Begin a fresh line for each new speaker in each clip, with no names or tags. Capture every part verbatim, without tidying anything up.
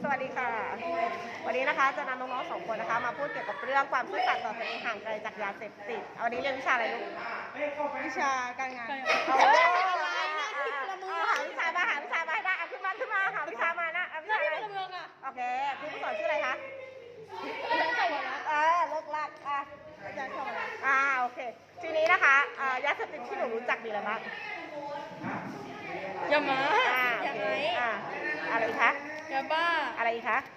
วัสดีค่ะวันนี้นะคะจะนำน้องๆสองคนนะคะมาพูดเกี่ยวกับเรื่องความซื่อสัตย์ต่อตนเองห่างไกลจากยาเสพติดวันนี้เรียนวิชาอะไรลูก
วิชาการงาน
เอาอะไรนะหาวิชามาหาวิชามาให้ได้เอาขึ้นมาขึ้นมาหาวิชามานะเอาวิชาอะไรโอเคครูผู้สอนชื่ออะไรคะ
อาจารย์สวัสดิ์
เออเลิกลักอ่ะ
อาจารย์สวัสดิ์
อ่าโอเคทีนี้นะคะยาเสพติดที่หนูรู้จักมีอะไรบ้าง
ยามา
อ่าโอเคอ่าอะไรคะ
ยาบ้า
อะไรอีกคะ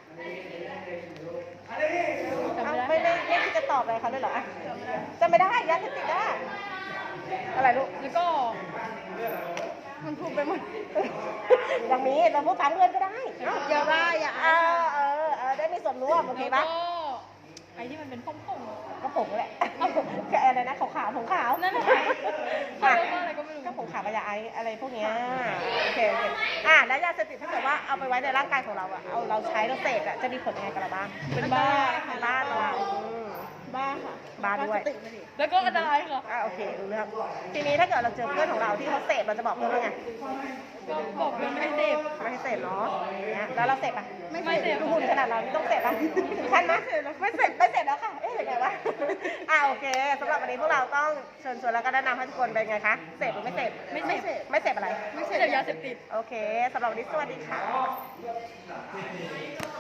ไม่ไม่ไม่คิดจะตอบอะไรเขาเลยเหรอจำไม่ได้ยาเสพติดได้อะไรลูก
แล้วก็มันพูดไปหมด
อย่างนี้เราพูดตามเพื่อนก็ได้
ยาบ้าอย่า
เออเออเออได้มีส่วนร่วมโอเคปะ
ไอ้ที่มันเป็นผงผง
ก็ผงแหละแค่อะไรนะขาวขาวผงขาว
นั่นแหละอะไรก็ไม่รู้
ก็ผงขาวกับยาไออะไรพวกนี้โอเคโอเคอ่ะแล้วยาเสพติดถ้าเกิดว่าเอาไปไว้ในร่างกายของเราอะเอาเราใช้เราเสพอะจะมีผลยังไงกับเราบ้าง
เป็นบ้า
เป็นบ้าเรา
บ้าค่ะ
บ้าด้วย
แล้วก็อันตรายค่ะ
อ่าโอเครู้เรื่องทีนี้ถ้าเกิดเราเจอเพื่อนของเราที่เขาเสพเราจะบอกเพื่อนว่าไง
ก็บอกเพื่อนไม่ให้เสพ
ไม่ให้เสพเนาะแล้วเราเสพอ่ะ
ไม่เสพ
หุ่นขนาดเราไม่ต้องเสพอ่ะถึงขั้นไหมไม่เสพไม่เสพแล้วค่ะเอ๊ะยังไงวะอ่าโอเคสำหรับวันนี้พวกเราต้องเชิญชวนแล้วก็แนะนำให้ทุกคนเป็นไงคะเสพหรือไม่เสพ
ไม่เสพ
ไม่เสพอะไร
ไม่เสพยาเสพติด
โอเคสำหรับวันนี้สวัสดีค่ะ